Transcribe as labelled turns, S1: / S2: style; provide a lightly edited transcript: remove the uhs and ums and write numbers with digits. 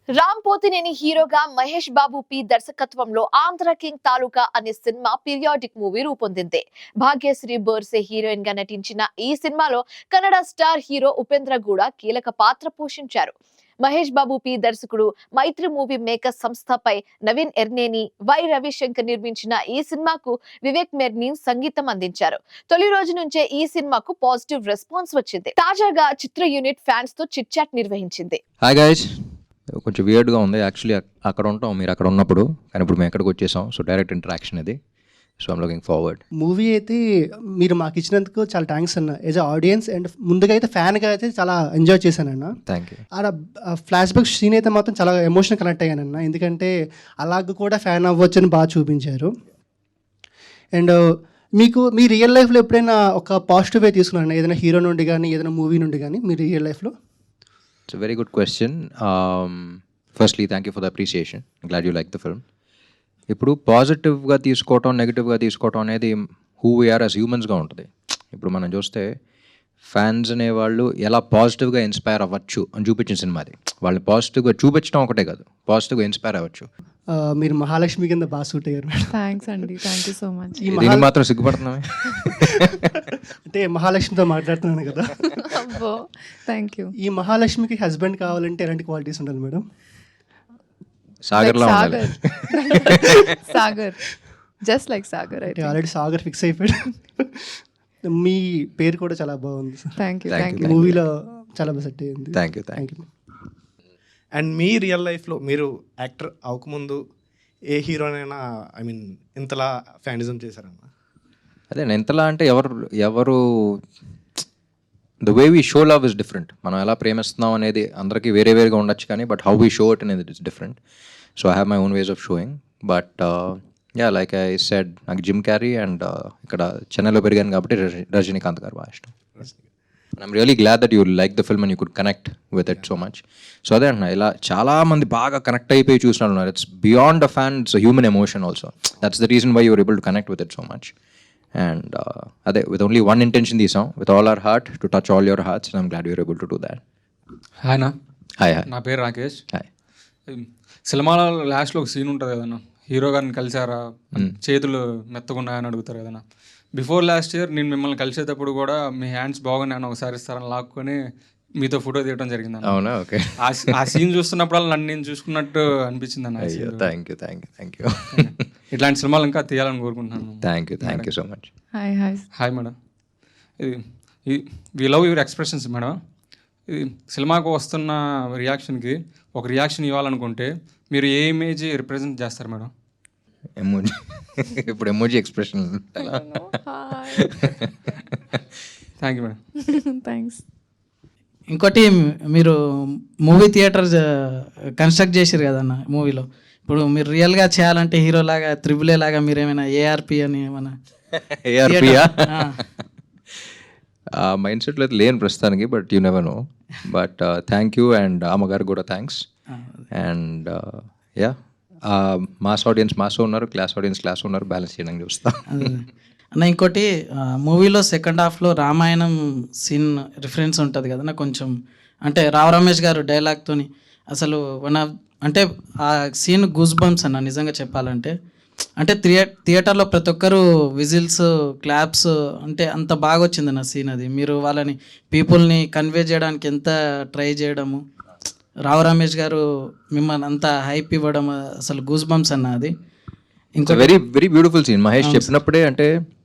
S1: రామ్ పోతినేని హీరోగా మహేష్ బాబు పి దర్శకత్వంలో ఆంధ్ర కింగ్ తాలూకా అనే సినిమా పీరియాడిక్ మూవీ రూపొందింది. భాగ్యశ్రీ బోర్సే హీరోయిన్ గా నటించిన ఈ సినిమాలో కన్నడ స్టార్ హీరో ఉపేంద్ర గూడ కీలక పాత్ర పోషించారు. మహేష్ బాబు పి దర్శకుడు మైత్రి మూవీ మేకర్స్ సంస్థపై నవీన్ ఎర్నేని, వై రవిశంకర్ నిర్మించిన ఈ సినిమాకు వివేక్ మెర్నీ సంగీతం అందించారు. తొలి రోజు నుంచే ఈ సినిమాకు పాజిటివ్ రెస్పాన్స్ వచ్చింది. తాజాగా చిత్ర యూనిట్ ఫ్యాన్స్ తో చిట్ చాట్ నిర్వహించింది.
S2: హాయ్ గైస్, కొంచెం వియర్డ్గా ఉంది యాక్చువల్లీ. అక్కడ ఉంటాం మీరు అక్కడ ఉన్నప్పుడు, కానీ ఇప్పుడు మేము ఎక్కడికి వచ్చేసాం. సో డైరెక్ట్ ఇంటరాక్షన్ ఇది. So I'm looking forward.
S3: Movie అయితే మీరు మాకు ఇచ్చినందుకు చాలా థ్యాంక్స్ అన్న. యాజ్ అ ఆడియన్స్ అండ్ ముందుగా అయితే ఫ్యాన్గా అయితే చాలా ఎంజాయ్ చేశానన్న.
S2: Thank you.
S3: ఆడ ఫ్లాష్ బ్యాక్ సీన్ అయితే మాత్రం చాలా ఎమోషనల్ కనెక్ట్ అయ్యానన్న. ఎందుకంటే అలాగ కూడా ఫ్యాన్ అవ్వచ్చని బాగా చూపించారు. అండ్ మీకు మీ రియల్ లైఫ్లో ఎప్పుడైనా ఒక పాజిటివ్ వే తీసుకున్నాను ఏదైనా హీరో నుండి కానీ ఏదైనా మూవీ నుండి కానీ మీ రియల్ లైఫ్లో?
S2: It's very good question. Firstly thank you for the appreciation. Glad you like the film. ఇప్పుడు పాజిటివ్గా తీసుకోవటం, నెగిటివ్గా తీసుకోవటం అనేది హూ వీఆర్ యాజ్ హ్యూమన్స్గా ఉంటుంది. ఇప్పుడు మనం చూస్తే ఫ్యాన్స్ అనేవాళ్ళు ఎలా పాజిటివ్గా ఇన్స్పైర్ అవ్వచ్చు అని చూపించిన సినిమా అది. వాళ్ళని పాజిటివ్గా చూపించడం ఒకటే కాదు, పాజిటివ్గా ఇన్స్పైర్ అవ్వచ్చు.
S3: మీరు మహాలక్ష్మి కింద బాగా సూట్ అయ్యారు మేడం.
S4: థ్యాంక్స్ అండి, థ్యాంక్ యూ సో మచ్.
S2: దీనికి మాత్రం సిగ్గుపడుతున్నామే.
S3: అంటే మహాలక్ష్మితో మాట్లాడుతున్నాను కదా.
S4: అబ్బో, థ్యాంక్ యూ.
S3: ఈ మహాలక్ష్మికి హస్బెండ్ కావాలంటే ఎలాంటి క్వాలిటీస్ ఉండాలి మేడం?
S2: సాగర్లో ఉండాలి.
S4: Sagar, just like Sagar.
S3: అంటే ఆల్రెడీ సాగర్ ఫిక్స్ అయిపోయాడు. మీ పేరు కూడా చాలా బాగుంది sir.
S4: Thank you,
S2: Thank
S4: thank
S2: you.
S4: You.
S3: మూవీలో చాలా బాగా సెట్ అయ్యింది.
S2: Thank you.
S3: Thank you.
S5: And మీ రియల్ లైఫ్లో మీరు యాక్టర్ అవ్వకముందు ఏ హీరోనైనా ఐ మీన్ ఇంతలా ఫ్యానిజం చేశారన్న?
S2: అదే ఎంతలా అంటే ఎవరు the way we show love is different. మనం ఎలా ప్రేమిస్తున్నాం అనేది అందరికీ వేరే వేరేగా ఉండొచ్చు, కానీ but how we show it అనేది is different. So I have my own ways of sowing. But yeah, like I said, నాకు జిమ్ క్యారీ అండ్ ఇక్కడ చెన్నైలో పెరిగాను కాబట్టి రజనీకాంత్ గారు బాగా ఇష్టం. I'm really glad that you like the film and you could connect with it so much. So అదే అంటున్నా, ఇలా చాలామంది బాగా కనెక్ట్ అయిపోయి చూసిన ఉన్నారు. It's beyond a fan, it's human emotion also. That's the reason why you're able to connect with it so much. And అదే with only one intention తీసాం, with all our heart to touch all your hearts, and I'm glad you're able to do that.
S6: Hi నా.
S2: Hi.
S6: నా పేరు Rakesh.
S2: Hi.
S6: సినిమాలో లాస్ట్లో ఒక scene ఉంటుంది కదన్నా, హీరో గారిని కలిసారా, చేతులు మెత్తగున్నాయని అడుగుతారు కదన్నా. బిఫోర్ లాస్ట్ ఇయర్ నేను మిమ్మల్ని కలిసేటప్పుడు కూడా మీ హ్యాండ్స్ బాగున్నాయని ఒకసారి ఇస్తారని లాక్కొని మీతో ఫోటో తీయడం జరిగింది.
S2: అవునా? ఓకే.
S6: ఆ సీన్ చూస్తున్నప్పుడు నన్ను నేను చూసుకున్నట్టు అనిపించింది అన్న.
S2: Thank you.
S6: ఇట్లాంటి సినిమాలు ఇంకా తీయాలని కోరుకుంటున్నాను.
S2: Thank you so much.
S4: Hi hi.
S6: Hi madam. ఇది we love your expressions madam. ఇది సినిమాకు వస్తున్న రియాక్షన్కి ఒక రియాక్షన్ ఇవ్వాలనుకుంటే మీరు ఏ ఇమేజ్ రిప్రజెంట్ చేస్తారు మేడం?
S2: ఎమోజీ. ఇప్పుడు emoji expression.
S6: Thank you madam.
S4: Thanks.
S7: ఇంకోటి, మీరు మూవీ థియేటర్ కన్స్ట్రక్ట్ చేసారు కదన్న మూవీలో. ఇప్పుడు మీరు రియల్గా చేయాలంటే హీరో లాగా, త్రిబుల్ ఏ లాగా మీరు ఏమైనా ఏఆర్పి అని ఏమైనా
S2: ఏఆర్పియా? మైండ్ సెట్లో అయితే లేని ప్రస్తుతానికి, but you never know. But thank you, and అమ్మగారు కూడా thanks. And ya, mass audience mass ఉన్నారు, క్లాస్ ఆడియన్స్ క్లాస్ ఉన్నారు, బ్యాలెన్స్ చేయడానికి చూస్తాం.
S7: అన్న ఇంకోటి, మూవీలో సెకండ్ హాఫ్లో రామాయణం సీన్ రిఫరెన్స్ ఉంటుంది కదా కొంచెం. అంటే రావు రమేష్ గారు డైలాగ్తోని అసలు అంటే ఆ సీన్ గూస్ బంప్స్ అన్న నిజంగా చెప్పాలంటే. అంటే థియేటర్లో ప్రతి ఒక్కరు విజిల్స్, క్లాప్స్, అంటే అంత బాగా వచ్చింది ఆ సీన్. అది మీరు వాళ్ళని పీపుల్ని కన్వే చేయడానికి ఎంత ట్రై చేయడము, రావు రమేష్ గారు మిమ్మల్ని అంత హైప్ ఇవ్వడం, అసలు గూస్ బంప్స్ అన్న అది.
S2: Very very beautiful scene. Mahesh చెప్పినప్పుడే, అంటే